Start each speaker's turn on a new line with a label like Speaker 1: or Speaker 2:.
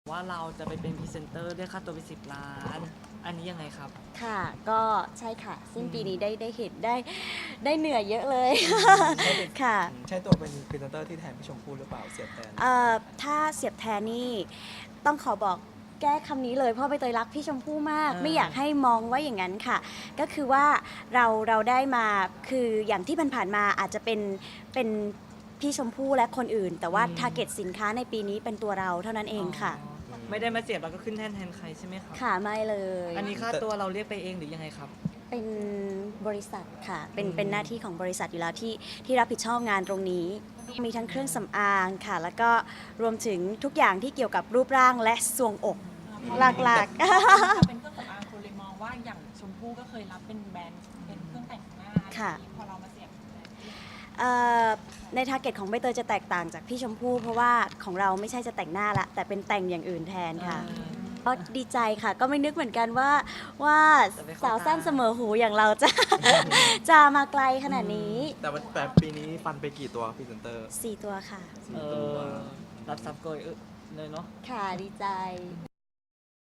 Speaker 1: ว่าเราจะไปเป็นพรีเซนเตอร์เรียกค่าตัวไป10 ล้านอันนี้ยังไงครับ
Speaker 2: ค่ะก็ใช่ค่ะสิ้นปีนี้ได้เห็นได้เหนื่อยเยอะเลย ค่ะ
Speaker 3: ใช่ตัวเป็นพรีเซนเตอร์ที่แทนพี่ชมพู่หรือเปล่าเสียบแทน
Speaker 2: ถ้าเสียบแทนนี่ต้องขอบอกแก้คำนี้เลยเพราะใบเตยรักพี่ชมพู่มากไม่อยากให้มองว่าอย่างนั้นค่ะก็คือว่าเราได้มาคืออย่างที่ผ่านๆมาอาจจะเป็นพี่ชมพู่และคนอื่น แต่ว่าทาร์เก็ตสินค้าในปีนี้เป็นตัวเราเท่านั้นเองค่ะ
Speaker 1: ไม่ได้มาเสียบแล้วก็ขึ้นแทนใครใช่ไหมครับ
Speaker 2: ค่ะไม่เลย
Speaker 1: อันนี้ค่าตัวเราเรียกไปเองหรือยังไงครับ
Speaker 2: เป็นบริษัทค่ะเป็นหน้าที่ของบริษัทอยู่แล้วที่รับผิดชอบงานตรงนี้มีทั้งเครื่องสำอางค่ะแล้วก็รวมถึงทุกอย่างที่เกี่ยวกับรูปร่างและทรวงอกหลัก
Speaker 4: ๆเป็นเครื่องสำอางคนเลยมองว่าอย่างชมพู่ก็เคยรับเป็นแบรนด์เป็นเครื่องแต่งหน้าพอเรามาเสียบ
Speaker 2: ในทาร์เก็ตของใบเตยจะแตกต่างจากพี่ชมพู่เพราะว่าของเราไม่ใช่จะแต่งหน้าละแต่เป็นแต่งอย่างอื่นแทนค่ะก็ดีใจค่ะก็ไม่นึกเหมือนกันว่าสาวสั้นเสมอหูอย่างเราจะมาไกลขนาดนี้
Speaker 3: แต่ปีนี้ฟันไปกี่ตัวพรีเซนเตอร์
Speaker 2: 4 ตัวค่ะ
Speaker 3: 4 ตัว
Speaker 1: รับซับโกยเลยเนาะ
Speaker 2: ค่ะดีใจ